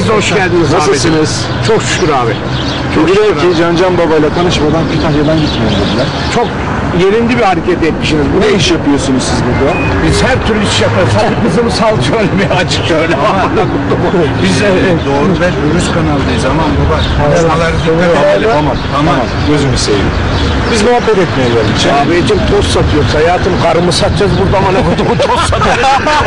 Siz de hoş geldiniz. Nasılsınız? Çok şükür abi. Dediler ki Can Baba'yla tanışmadan Kütahya'dan gitmeyin dediler. Çok yerinde bir hareket etmişsiniz. Ne iş yapıyorsunuz siz burada? Biz her türlü iş yaparız. Hadi kızımı sal şöyle bir açık şöyle. Biz Doğru ve dürüst kanaldayız. Aman baba. Konuşmaları Tamam. Gözümü seveyim. Biz muhabbet etmeye geldik. abicim toz satıyoruz. Hayatım karımı satacağız burada ama ne kutumu toz satacağız.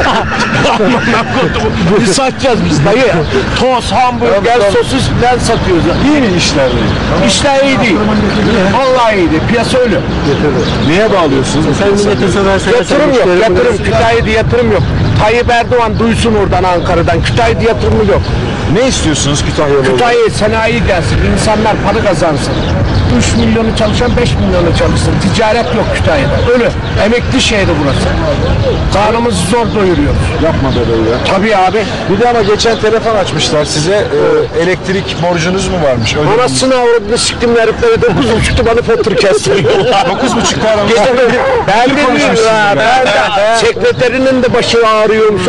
Biz satacağız biz dayı. Toz, hamburger, sosis falan satıyoruz. İyi mi işler değil? İşler iyi değil. Vallahi iyi değil. Piyasa öyle. Neye bağlıyorsunuz? Yatırım yok. Yatırım. Kütahya'da yatırım yok. Tayyip Erdoğan duysun oradan Ankara'dan. Kütahya'da yatırımı yok. Ne istiyorsunuz Kütahya'lı olarak? Kütahya'ya sanayi gelsin. İnsanlar para kazansın. 3 milyonu çalışan 5 milyonu çalışsın. Ticaret yok Kütahya'da. Öyle. Emekli şehri burası. Karnımızı zor doyuruyoruz. Yapma be böyle. Tabii abi. Bir de ama geçen telefon açmışlar size. Elektrik borcunuz mu varmış? Öyle Anasını avradını siktim herifleri 9.30'da bana fatura kestiriyorlar. 9.30 aramızda. Gece ben de bilmiyorum ya. Ben de sekreterinin de başı ağrıyormuş.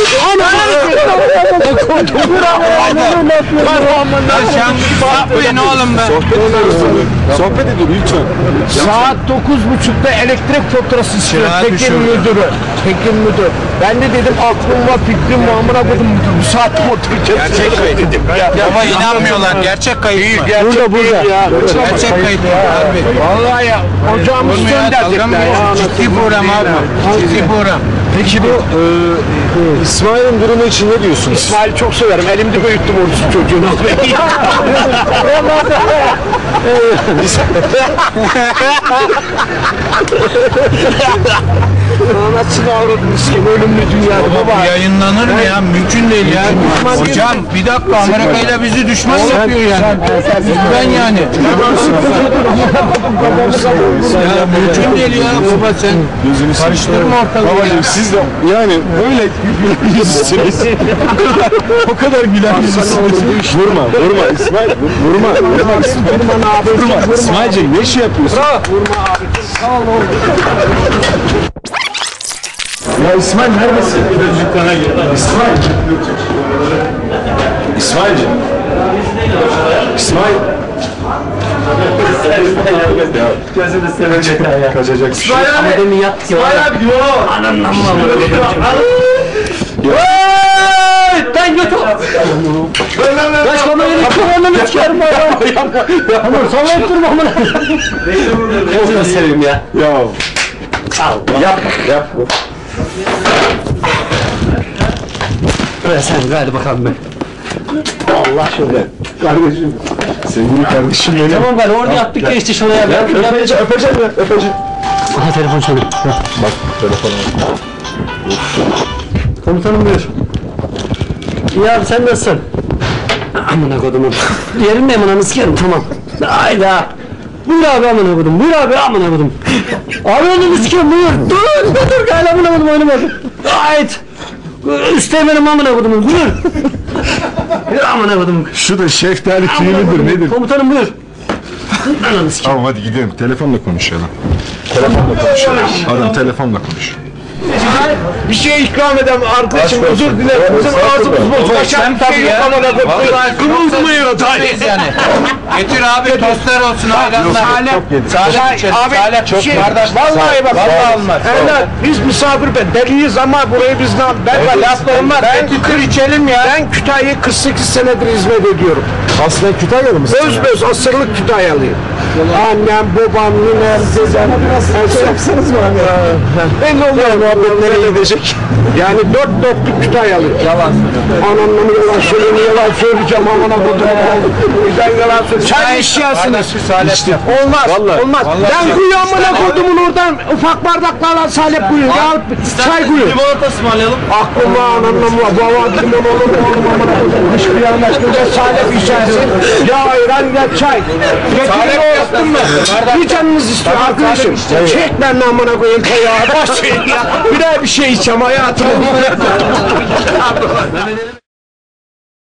Yapmayın oğlum be. Sohbet edin lütfen. Saat 9.30'da elektrik faturası istiyor Tekin müdürü. Tekin müdür. Ben de dedim aklım var fikrim var amına koydum müdür. Bu saatte fatura Gerçek kayıt. dedim. Ama inanmıyorlar. Gerçek kayıt mı? Gerçek burada. Ya. Gerçek kayıt mı? Harbi. Vallahi ya. Ocağımız Olur mu ya? Dalga mı söndürecekler ya. geçiyorsun? Ciddi program abi. Ciddi program. Peki bu İsmail'in durumu için ne diyorsunuz? İsmail'i çok severim. Elimde büyüttüm orası çocuğunu. Anasını avradını sikeyim. Ölümlü dünyada baba. Bu yayınlanır mı ya? Mümkün değil ya. Hocam bir dakika Amerika ile bizi düşman yapıyor yani. Ben yani. Ya mümkün değil ya. Baba sen Gözünü karıştırma ortalığı ya. Babacığım siz de yani böyle gülen yüzsünüz. O kadar gülen yüzsünüz. Vurma İsmail. Vurma abi. İsmail'cim ne iş yapıyorsun? Vurma abi. Sağ ol oğlum. Ya İsmail neredesin? Dükkana gir. İsmail'cim. İsmail. Gözünü sevecek ya. Kaçacaksın. Ama demin yat ki. İsmail abi diyor. Ananla mı? Ben götür. Kaç kamerayı kullanmamı çıkarım ya. Tamam sana ettirme amına. Gözünü seveyim ya. Ya. Yapma. Buraya sen gari bakalım ben. Allah şöyle. Kardeşim. Sevgili kardeşim benim. Tamam gari orada yaptık geçti şuraya. Öpeceğim. Aha telefon çalıyor. Bak telefona. Komutanım buyur. İyi abi sen nasılsın? Amına kodumun. Yerindeyim ananı sikerim tamam. Hayda. Buyur abi amına kodum. Buyur abi amına kodum. Abi ananı sikerim buyur. Dur galiba amına kodum oynamadım. Hayt. Üsteğmenim amına kodumun buyur. Buyur amına kodum. Şu da şeftali tüyü müdür nedir? Komutanım buyur. Ananı sikerim. Tamam hadi gidelim. Telefonla konuşalım. Adam telefonla konuş. Bir şey ikram edem arkadaşım özür dilerim. Bizim ağzımız bozuk. Aşağı bir şey yok amına koyayım. Kımıldamıyor yani. Getir abi tostlar olsun ayranlar. Salep içelim. abi Salep çok şey, kardeş. vallahi bak. Vallahi olmaz. Evlat biz misafir deliyiz ama burayı biz ben laflarım var. Getir içelim ya. Ben Kütahya'ya 48 senedir hizmet ediyorum. Aslen Kütahyalı mısın? Öz asırlık Kütahyalıyım. Annem, babam, ninem, dedem. Biraz yapsanız mı abi? Ben de onlara muhabbetlerine gidecek. Yani dört dörtlük Kütahyalıyım. Yalan söylüyorum. Anamla yalan söylüyorum, yalan söyleyeceğim amına kodum. Ben yalan söylüyorum. Çay içiyorsunuz. Olmaz, olmaz. Ben kuyu amına kodumun oradan ufak bardaklarla salep kuyu. Çay kuyu. Limonata ısmarlayalım. Aklıma anamla baba limon olur mu oğlum amına kodum. Hiçbir yandaş kılca salep içersin. Ya ayran ya çay. Getirin o yaptın mı? Bir canınız istiyor arkadaşım. Çek ben amına koyayım ya. Başlayın ya. Bir daha bir şey içeceğim hayatım.